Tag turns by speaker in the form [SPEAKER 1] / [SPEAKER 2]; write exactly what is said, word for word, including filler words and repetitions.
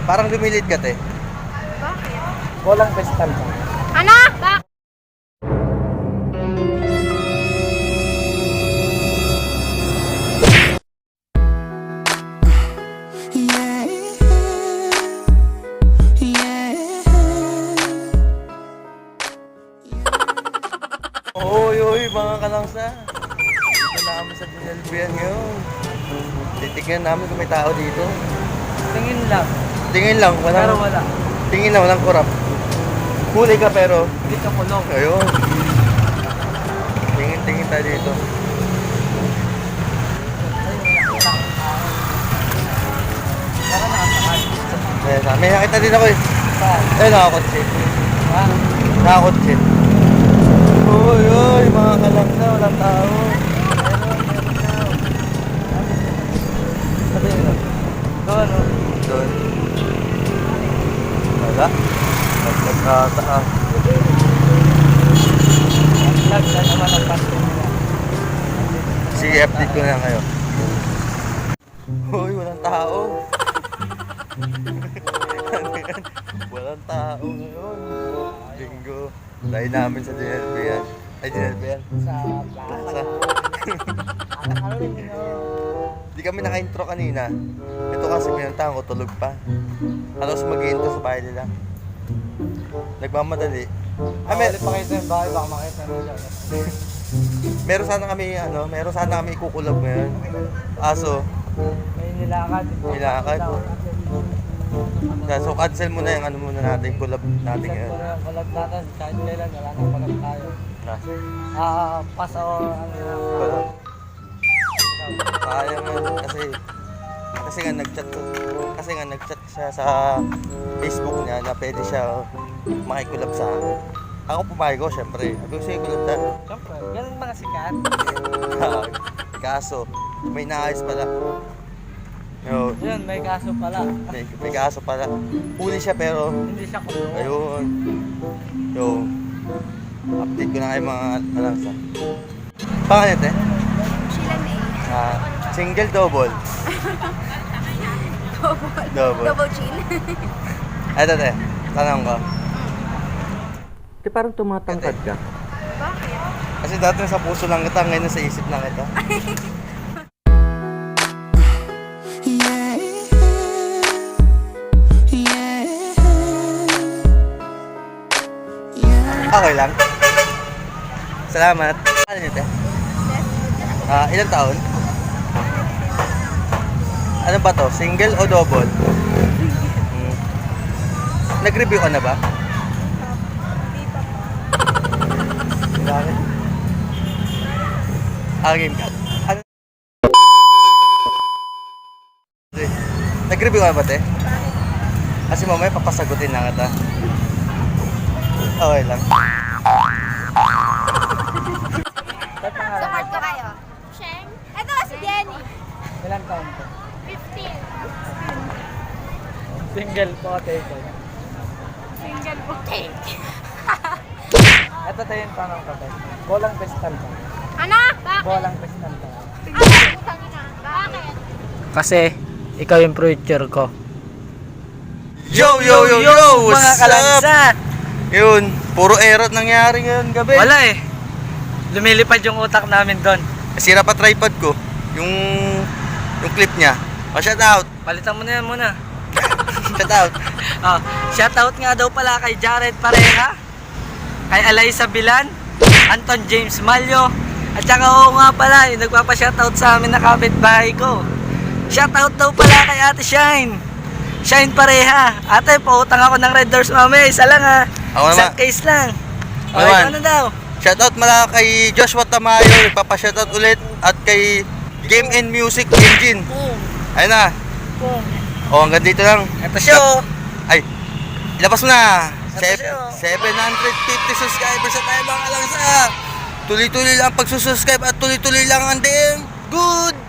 [SPEAKER 1] Parang lumilit ka, te.
[SPEAKER 2] Bakit?
[SPEAKER 3] Walang pestal ba?
[SPEAKER 2] Ano? Bakit?
[SPEAKER 1] Oy, oy, mga kalangsa. Dito na kami sa Dinalbian ngayon. Titignan namin kung may tao dito.
[SPEAKER 3] Tingin lang.
[SPEAKER 1] Tingin lang, walang,
[SPEAKER 3] Pero wala.
[SPEAKER 1] tingin lang, walang kurap. Huli ka pero,
[SPEAKER 3] Hindi ka kulong.
[SPEAKER 1] ayun. Tingin, tingin tayo dito.
[SPEAKER 3] Para nakasakal.
[SPEAKER 1] Ayan, may nakita din ako eh.
[SPEAKER 3] Saan?
[SPEAKER 1] Ayun, nakakotse.
[SPEAKER 3] Ha?
[SPEAKER 1] Nakakotse. Uy, uy, mga kalangsa, walang tao.
[SPEAKER 3] Sabi nyo. Doon, no?
[SPEAKER 1] Doon. Wala. Nagkata ah.
[SPEAKER 3] Lag na naman ang pasto nila.
[SPEAKER 1] Sige, update ko na kayo. Uy, walang tao. Ano yan? Walang tao ngayon. Linggo. Dahil namin sa D L B yan. Ay, D L B yan.
[SPEAKER 3] Sa
[SPEAKER 1] Plaza.
[SPEAKER 3] plaza. Ano rin yun?
[SPEAKER 1] Di kami naka-intro kanina. Ito kasi pinuntahan ko, tulog pa. Halos mag-intro sa bahay nila. Nagmamadali. Ah,
[SPEAKER 3] May
[SPEAKER 1] mer
[SPEAKER 3] pa kayo sa yung bahay, baka makita nyo siya.
[SPEAKER 1] meron sana kami, ano, meron sana kami ikukulab ngayon. Aso,
[SPEAKER 3] May nilakad.
[SPEAKER 1] Nilakad. so cancel muna yung ano muna natin, collab natin
[SPEAKER 3] Set
[SPEAKER 1] ngayon.
[SPEAKER 3] ko na yung collab natin. Kahit kailan, wala nang collab tayo. Ah, pass o ano na.
[SPEAKER 1] Collab. Kaya nga kasi kasi nga nag-chat kasi nga nag-chat siya sa Facebook niya na pwede siya makikulab sa akin. Ako pumayag ko, syempre. Ako siya kulab tayo.
[SPEAKER 3] Siyempre, ganun mga sikat.
[SPEAKER 1] Kaso, may naayos pala. Yo,
[SPEAKER 3] Yun, may kaso pala.
[SPEAKER 1] may, may kaso pala. Huli siya pero
[SPEAKER 3] Hindi siya kulong.
[SPEAKER 1] ayun. Yo, update ko na kayo mga alangsa. Pangalan ito eh?
[SPEAKER 2] Sheila May.
[SPEAKER 1] Ah, single double.
[SPEAKER 2] Double.
[SPEAKER 1] Double.
[SPEAKER 2] Double chin.
[SPEAKER 1] Eto te, tanong ko. Di parang tumatangkad ka.
[SPEAKER 2] Bakit?
[SPEAKER 1] Kasi dati sa puso lang kita, ngayon sa isip lang kita. Okay lang. Salamat. Ano niyo te? Ah, ilang taon? Ano ba to? Single o double? Hmm. Nag-review ka na ba? Bakit? Ah, game ka. Ano? Nag-review ka na ba, te? Kasi mamaya papasagutin lang kita. Okay lang.
[SPEAKER 3] Ba't pangalan?
[SPEAKER 2] Support ko kayo. Sheng? Ito si Jenny.
[SPEAKER 3] Ilang taon ko?
[SPEAKER 2] fifteen.
[SPEAKER 3] Single po, take.
[SPEAKER 2] Single po. Cake.
[SPEAKER 3] Ito tayo yung tanong ko tayo. Bolang pestal ba?
[SPEAKER 2] Ano? Bakit?
[SPEAKER 3] Bolang pestal ba?
[SPEAKER 2] Ano? Putang ina. Bakit?
[SPEAKER 3] Kasi, ikaw yung future ko.
[SPEAKER 1] Yo, yo, yo, yo!
[SPEAKER 3] Mga
[SPEAKER 1] What's up?
[SPEAKER 3] kalangsa!
[SPEAKER 1] Yun, puro error nangyari ngayon gabi.
[SPEAKER 3] Wala eh. Lumilipad yung utak namin doon.
[SPEAKER 1] Sira pa tripod ko. Yung yung clip niya. Oh, shout out.
[SPEAKER 3] Palitan mo na yan muna.
[SPEAKER 1] Shout out.
[SPEAKER 3] Oh, shoutout nga daw pala kay Jared Pareha, kay Alaysa Bilan, Anton James Malyo, at saka oo nga pala, yung nagpapa-shoutout sa amin na kapitbahay ko. Shoutout daw pala kay Ate Shine. Shine Pareha. Ate, pautang ako ng Red Doors mamaya. Isa lang ha.
[SPEAKER 1] Ako
[SPEAKER 3] Isang
[SPEAKER 1] naman.
[SPEAKER 3] case lang.
[SPEAKER 1] Ako
[SPEAKER 3] Okay,
[SPEAKER 1] naman.
[SPEAKER 3] ano daw?
[SPEAKER 1] Shout out mala kay Joshua Tamayo, ipapa-shout out ulit at kay Game and Music Engine.
[SPEAKER 3] Boom.
[SPEAKER 1] Ayun na.
[SPEAKER 3] Boom.
[SPEAKER 1] Oh, hanggang dito lang.
[SPEAKER 3] Ito siya oh.
[SPEAKER 1] Ay, ilabas mo na.
[SPEAKER 3] Ito siya, oh.
[SPEAKER 1] seven hundred fifty subscribers na tayo mga lang sa. Tuloy-tuloy lang pagsusubscribe at tuloy-tuloy lang ang damn good